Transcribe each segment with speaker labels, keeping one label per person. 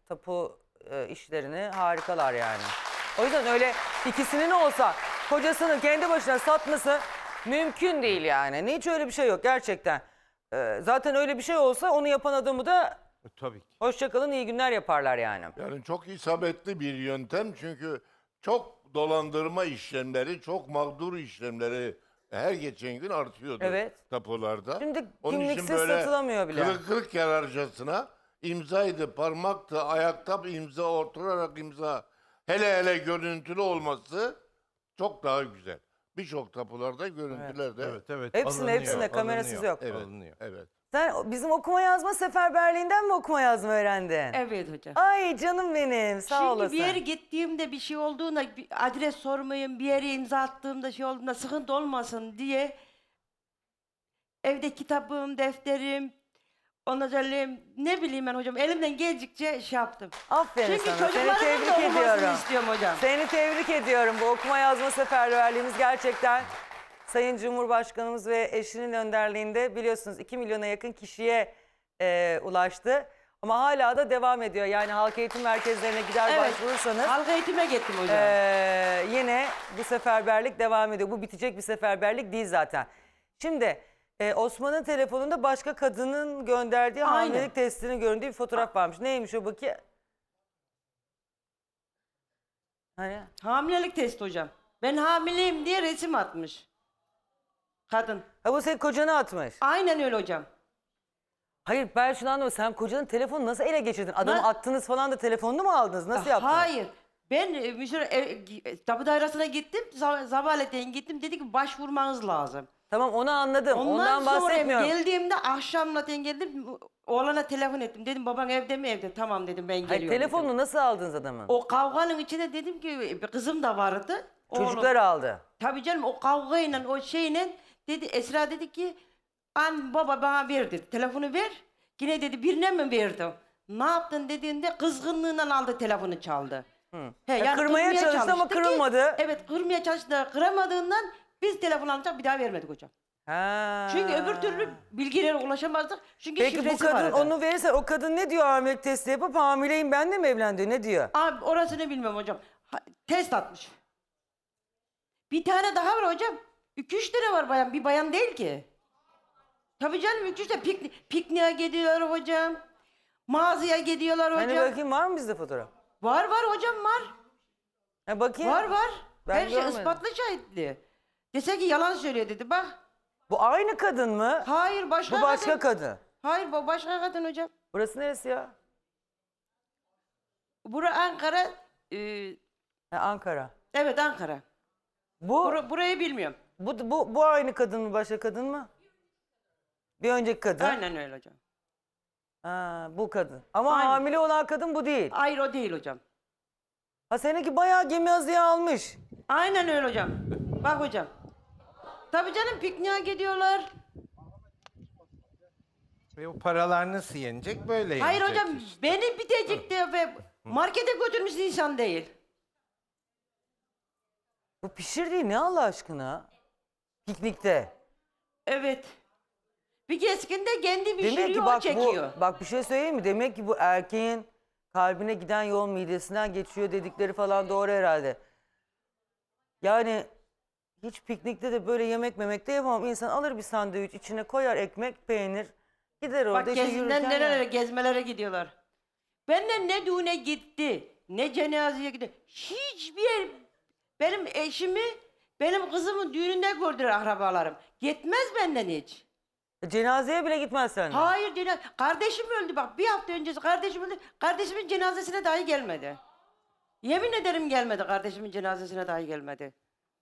Speaker 1: tapu işlerini harikalar yani. O yüzden öyle ikisinin olsa kocasının kendi başına satması mümkün değil yani. Hiç öyle bir şey yok gerçekten. Zaten öyle bir şey olsa onu yapan adamı da
Speaker 2: Tabii ki.
Speaker 1: hoşçakalın iyi günler yaparlar yani.
Speaker 3: Yani çok isabetli bir yöntem çünkü çok dolandırma işlemleri, çok mağdur işlemleri her geçen gün artıyordu
Speaker 1: Evet.
Speaker 3: tapularda.
Speaker 1: Şimdi
Speaker 3: Onun için
Speaker 1: kimliksiz
Speaker 3: böyle
Speaker 1: satılamıyor bile.
Speaker 3: kırık yararcasına imzaydı, parmaktı, ayakta bir imza, oturarak imza, hele görüntülü olması çok daha güzel. Birçok tapularda görüntülerde.
Speaker 2: Evet.
Speaker 1: Hepsinde kamerasız yok.
Speaker 3: Evet,
Speaker 2: Alınıyor.
Speaker 3: evet.
Speaker 1: Sen bizim okuma yazma seferberliğinden mi okuma yazma öğrendin?
Speaker 4: Evet hocam.
Speaker 1: Ay canım benim sağ
Speaker 4: Çünkü
Speaker 1: olasın.
Speaker 4: bir yere gittiğimde bir şey olduğunda bir adres sormayayım, bir yere imza attığımda şey olduğunda sıkıntı olmasın diye evde kitabım, defterim, ondan ne bileyim ben hocam elimden geldikçe şey yaptım.
Speaker 1: Aferin
Speaker 4: Çünkü
Speaker 1: sana. Seni
Speaker 4: çocuklarımın da
Speaker 1: tebrik
Speaker 4: okumasını
Speaker 1: ediyorum.
Speaker 4: istiyorum hocam.
Speaker 1: Seni tebrik ediyorum. Bu okuma yazma seferberliğimiz gerçekten Sayın Cumhurbaşkanımız ve eşinin önderliğinde biliyorsunuz 2 milyona yakın kişiye ulaştı. Ama hala da devam ediyor. Yani halk eğitim merkezlerine gider
Speaker 4: Evet.
Speaker 1: başvurursanız
Speaker 4: Halk eğitime gittim hocam.
Speaker 1: yine bu seferberlik devam ediyor. Bu bitecek bir seferberlik değil zaten. Şimdi Osman'ın telefonunda başka kadının gönderdiği
Speaker 4: Aynen.
Speaker 1: hamilelik testinin göründüğü bir fotoğraf varmış. Neymiş o bakayım? Hani?
Speaker 4: Hamilelik testi hocam. Ben hamileyim diye resim atmış. Kadın.
Speaker 1: Ha bu senin kocanı atmış.
Speaker 4: Aynen öyle hocam.
Speaker 1: Hayır ben şunu anlamadım. Sen kocanın telefonunu nasıl ele geçirdin? Adamı
Speaker 4: Ben-
Speaker 1: attınız falan da telefonunu mu aldınız? Nasıl yaptınız?
Speaker 4: Hayır. Ben tapu dairesine gittim. Sabahleyin gittim. Dedi ki başvurmanız lazım.
Speaker 1: Tamam onu anladım.
Speaker 4: Ondan
Speaker 1: Ondan
Speaker 4: sonra
Speaker 1: bahsetmiyorum.
Speaker 4: geldiğimde akşamleyin geldim. Oğlana telefon ettim. Dedim baban evde mi evde? Tamam dedim ben geliyorum.
Speaker 1: Hayır, telefonunu
Speaker 4: dedim.
Speaker 1: nasıl aldınız adamın?
Speaker 4: O kavganın içinde dedim ki bir kızım da vardı.
Speaker 1: Çocuklar aldı.
Speaker 4: Tabii canım o kavgayla o şeyle dedi Esra dedi ki baba bana ver dedi. Telefonu ver. Yine dedi birine mi verdim? Ne yaptın dediğinde kızgınlığından aldı telefonu çaldı. He,
Speaker 1: Ya kırmaya çalıştı ama
Speaker 4: çalıştı
Speaker 1: kırılmadı.
Speaker 4: Evet kırmaya çalıştı da kıramadığından biz telefon alacak bir daha vermedik hocam.
Speaker 1: Ha.
Speaker 4: Çünkü öbür türlü bilgilere ulaşamazdık. Çünkü
Speaker 1: Peki bu
Speaker 4: şifresi
Speaker 1: kadın
Speaker 4: vardı.
Speaker 1: onu verirse o kadın ne diyor hamilelik testi yapıp hamileyim ben de mi evlen diyor ne diyor?
Speaker 4: Abi orasını bilmiyorum hocam. Test atmış. Bir tane daha var hocam. 2-3 tane var bayan. Bir bayan değil ki. Tabii canım 2-3 tane pikniğe gidiyorlar hocam. Mağazaya gidiyorlar hocam.
Speaker 1: Hani bakayım var mı bizde fotoğraf?
Speaker 4: Var hocam var.
Speaker 1: Ha bakayım.
Speaker 4: Var.
Speaker 1: Ben
Speaker 4: Her şey
Speaker 1: görmedim.
Speaker 4: ispatlı şahitli. Dese ki yalan söylüyor dedi bak.
Speaker 1: Bu aynı kadın mı?
Speaker 4: Hayır başka
Speaker 1: Bu başka kadın.
Speaker 4: Hayır bu başka kadın hocam.
Speaker 1: Burası neresi ya?
Speaker 4: Bura Ankara.
Speaker 1: Ha, Ankara.
Speaker 4: Evet Ankara.
Speaker 1: Bu,
Speaker 4: Burayı bilmiyorum.
Speaker 1: bu aynı kadın mı başka kadın mı? Bir önceki kadın.
Speaker 4: Aynen öyle hocam.
Speaker 1: Ha, bu kadın. Ama
Speaker 4: Aynen.
Speaker 1: hamile olan kadın bu değil.
Speaker 4: Hayır o değil hocam.
Speaker 1: Ha seninki bayağı gemi azıya almış.
Speaker 4: Aynen öyle hocam. Bak hocam. Tabii canım pikniğe gidiyorlar.
Speaker 2: Ve o paralar nasıl yenecek? Böyle
Speaker 4: Hayır
Speaker 2: yenecek
Speaker 4: hocam
Speaker 2: işte.
Speaker 4: beni bitecek diye ve markete götürmüş insan değil.
Speaker 1: Bu pişirdiği ne Allah aşkına? Piknikte.
Speaker 4: Evet. Bir keskinde kendi
Speaker 1: Demek
Speaker 4: pişiriyor
Speaker 1: ki
Speaker 4: o
Speaker 1: bak
Speaker 4: çekiyor.
Speaker 1: bak bir şey söyleyeyim mi? Demek ki bu erkeğin kalbine giden yol midesinden geçiyor dedikleri falan doğru herhalde. Yani hiç piknikte de böyle yemek memekte yapamam. İnsan alır bir sandviç içine koyar ekmek, peynir. Gider orada
Speaker 4: Bak
Speaker 1: işte
Speaker 4: gezinden
Speaker 1: yürürken
Speaker 4: nerelere
Speaker 1: yer.
Speaker 4: gezmelere gidiyorlar. Benden ne düğüne gitti, ne cenazeye gitti. Hiçbir yer benim eşimi, benim kızımın düğününde gördüler akrabalarım. Gitmez benden hiç.
Speaker 1: Cenazeye bile gitmez senden.
Speaker 4: Hayır kardeşim öldü bak bir hafta öncesi kardeşim öldü. Kardeşimin cenazesine dahi gelmedi. Yemin ederim gelmedi kardeşimin cenazesine dahi gelmedi.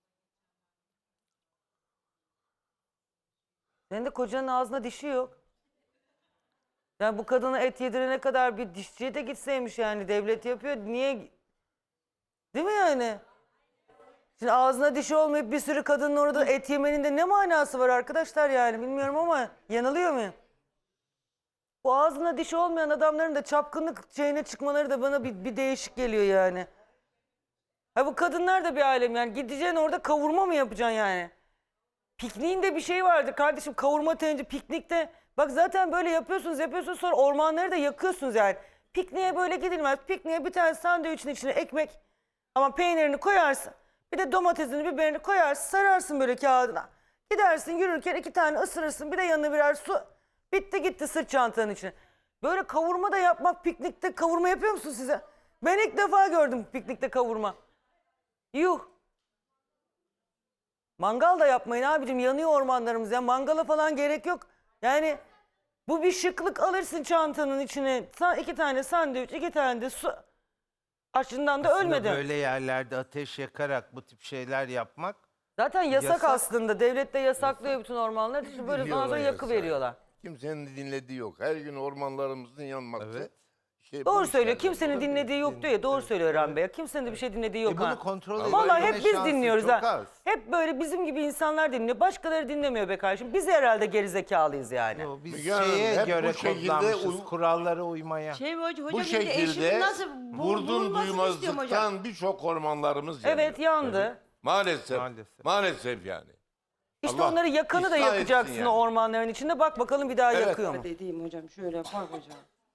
Speaker 1: Senin de kocanın ağzına dişi yok. Yani bu kadına et yedirene kadar bir dişçiye de gitseymiş yani. Devlet yapıyor. Niye? Değil mi yani? Şimdi ağzına dişi olmayıp bir sürü kadının orada et yemenin de ne manası var arkadaşlar yani? Bilmiyorum ama yanılıyor muyum? Bu ağzına dişi olmayan adamların da çapkınlık şeyine çıkmaları da bana bir değişik geliyor yani. Ha bu kadınlar da bir alem yani. Gideceksin orada kavurma mı yapacaksın yani? Pikniğinde bir şey vardı kardeşim, kavurma tencere piknikte. Bak zaten böyle yapıyorsunuz sonra ormanları da yakıyorsunuz yani. Pikniğe böyle gidilmez. Pikniğe bir tane sandviçin içine ekmek ama peynirini koyarsın. Bir de domatesini, biberini koyarsın, sararsın böyle kağıdına. Gidersin yürürken 2 tane ısırırsın. Bir de yanına birer su. Bitti gitti sırt çantanın içine. Böyle kavurma da yapmak, piknikte kavurma yapıyor musun size? Ben ilk defa gördüm piknikte kavurma. Yuh. Mangal da yapmayın abicim, yanıyor ormanlarımız ya. Mangala falan gerek yok. Yani bu bir şıklık, alırsın çantanın içine 2 tane sandviç, 2 tane de su. Açından da
Speaker 2: Aslında
Speaker 1: ölmedi.
Speaker 2: böyle yerlerde ateş yakarak bu tip şeyler yapmak
Speaker 1: Zaten yasak,
Speaker 2: Yasak.
Speaker 1: aslında. Devlet de yasaklıyor bütün ormanları. İşte böyle
Speaker 3: Biliyorlar
Speaker 1: sonra yakı
Speaker 3: yasağı.
Speaker 1: veriyorlar.
Speaker 3: Kimsenin dinlediği yok. Her gün ormanlarımızın yanması.
Speaker 2: Evet.
Speaker 3: İşte bu
Speaker 1: Doğru
Speaker 3: işlerden
Speaker 1: söylüyor. Kimsenin
Speaker 3: dolayı.
Speaker 1: dinlediği yok diyor ya. Doğru söylüyor Eren Bey. Kimsenin de bir şey dinlediği yok
Speaker 2: bunu
Speaker 1: ha.
Speaker 2: kontrol
Speaker 1: Vallahi
Speaker 2: edebilme
Speaker 1: hep biz
Speaker 2: şansı
Speaker 1: dinliyoruz
Speaker 2: çok
Speaker 1: ha.
Speaker 2: az.
Speaker 1: Hep böyle bizim gibi insanlar dinliyor. Başkaları dinlemiyor be kardeşim. Biz herhalde gerizekalıyız yani.
Speaker 2: Yo, biz
Speaker 3: Müge Hanım,
Speaker 2: şeye
Speaker 3: hep
Speaker 2: göre
Speaker 3: bu şekilde
Speaker 2: kodlanmışız, kurallara uymaya.
Speaker 4: Hocam
Speaker 3: Bu
Speaker 4: bir de
Speaker 3: şekilde
Speaker 4: eşimin nasıl
Speaker 3: vurdum
Speaker 4: bulunmasını istiyorum hocam.
Speaker 3: duymazlıktan birçok ormanlarımız yanıyor.
Speaker 1: Evet, yandı.
Speaker 3: Maalesef.
Speaker 2: Maalesef.
Speaker 3: Maalesef yani.
Speaker 1: İşte
Speaker 3: Allah
Speaker 1: onları yakanı da
Speaker 3: ıslah etsin
Speaker 1: yakacaksın
Speaker 3: yani.
Speaker 1: o ormanların içinde. Bak bakalım bir daha
Speaker 3: Evet.
Speaker 1: yakıyor mu?
Speaker 4: Dediğim hocam şöyle bak hocam.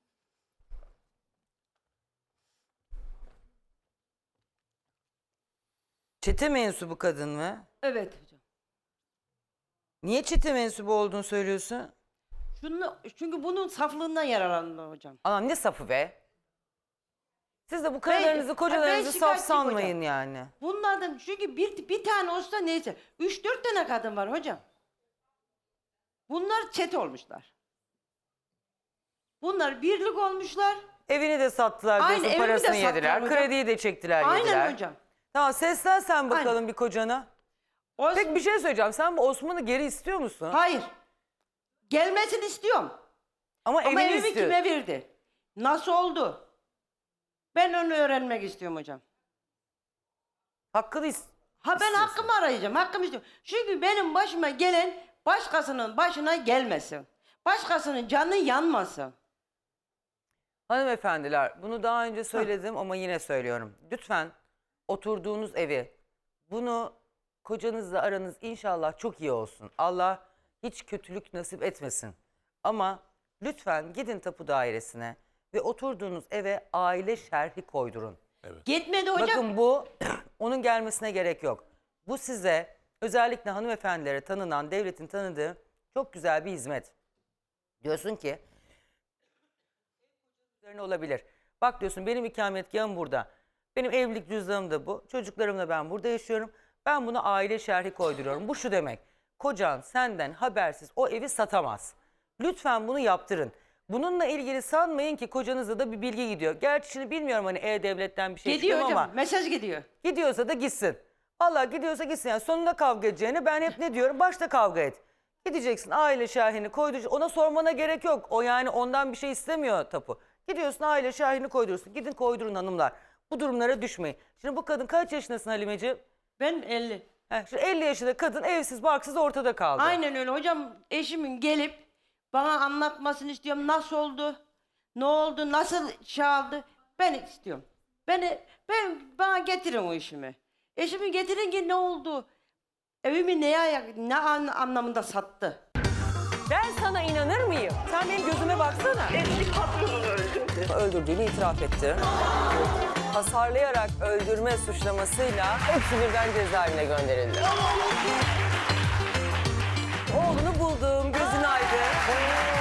Speaker 1: Çete mensubu kadın mı?
Speaker 4: Evet hocam.
Speaker 1: Niye çete mensubu olduğunu söylüyorsun?
Speaker 4: Çünkü bunun saflığından yararlandı hocam.
Speaker 1: Anam ne safı be? Siz de bu karılarınızı,
Speaker 4: ben
Speaker 1: kocalarınızı saf
Speaker 4: şikayetçiyim
Speaker 1: sanmayın
Speaker 4: hocam.
Speaker 1: yani.
Speaker 4: Bunlardan çünkü bir tane olsa neyse 3-4 tane kadın var hocam. Bunlar çete olmuşlar. Bunlar birlik olmuşlar.
Speaker 1: Evini de sattılar
Speaker 4: Aynen,
Speaker 1: diyorsun,
Speaker 4: evimi de
Speaker 1: parasını
Speaker 4: sattılar
Speaker 1: yediler.
Speaker 4: hocam.
Speaker 1: Krediyi de çektiler, yediler.
Speaker 4: Aynen hocam.
Speaker 1: Tamam, seslen sen bakalım
Speaker 4: Aynen.
Speaker 1: bir kocana.
Speaker 4: Olsun.
Speaker 1: Peki bir şey söyleyeceğim. Sen bu Osman'ı geri istiyor musun?
Speaker 4: Hayır. Gelmesini istiyorum.
Speaker 1: Ama,
Speaker 4: Ama
Speaker 1: evini
Speaker 4: evimi
Speaker 1: istiyor.
Speaker 4: kime verdi? Nasıl oldu? Ben onu öğrenmek istiyorum hocam.
Speaker 1: Hakkını
Speaker 4: Ben hakkımı arayacağım. Hakkımı istiyorum. Çünkü benim başıma gelen başkasının başına gelmesin. Başkasının canı yanmasın.
Speaker 1: Hanımefendiler, bunu daha önce söyledim ama yine söylüyorum. Lütfen oturduğunuz evi, bunu kocanızla aranız inşallah çok iyi olsun. Allah hiç kötülük nasip etmesin. Ama lütfen gidin tapu dairesine ve oturduğunuz eve aile şerhi koydurun.
Speaker 4: Gitmedi hocam.
Speaker 1: Bakın bu, onun gelmesine gerek yok. Bu size, özellikle hanımefendilere tanınan, devletin tanıdığı çok güzel bir hizmet. Diyorsun ki, üzerine olabilir. Bak diyorsun, benim ikametgahım burada. Benim evlilik cüzdanım da bu. Çocuklarımla ben burada yaşıyorum. Ben buna aile şerhi koyduruyorum. Bu şu demek. Kocan senden habersiz o evi satamaz. Lütfen bunu yaptırın. Bununla ilgili sanmayın ki kocanıza da bir bilgi gidiyor. Gerçi şimdi bilmiyorum hani E-Devlet'ten bir şey
Speaker 4: Gidiyor
Speaker 1: çıkıyor mu
Speaker 4: hocam.
Speaker 1: ama
Speaker 4: Mesaj gidiyor.
Speaker 1: gidiyorsa da gitsin. Vallahi gidiyorsa gitsin. Yani sonunda kavga edeceğine ben hep ne diyorum? Başta kavga et. Gideceksin, aile şahini koyduracaksın. Ona sormana gerek yok. O yani ondan bir şey istemiyor tapu. Gidiyorsun, aile şahini koydurursun. Gidin koydurun hanımlar. Bu durumlara düşmeyin. Şimdi bu kadın kaç yaşındasın Halimeciğim?
Speaker 4: Ben 50.
Speaker 1: Şu 50 yaşında kadın evsiz barksız ortada kaldı.
Speaker 4: Aynen öyle hocam. Eşimin gelip bana anlatmasını istiyorum. Nasıl oldu? Ne oldu? Nasıl çaldı? Ben istiyorum. Bana getirin o işimi. Eşimi getirin ki ne oldu? Evimi ne anlamında sattı?
Speaker 1: Ben sana inanır mıyım? Sen benim gözüme baksana.
Speaker 5: Eski patronunu öldürdü.
Speaker 1: Öldürdüğünü itiraf etti. Hasarlayarak öldürme suçlamasıyla hepsi birden cezaevine gönderildi. Oğlunu buldum, gözün aydın.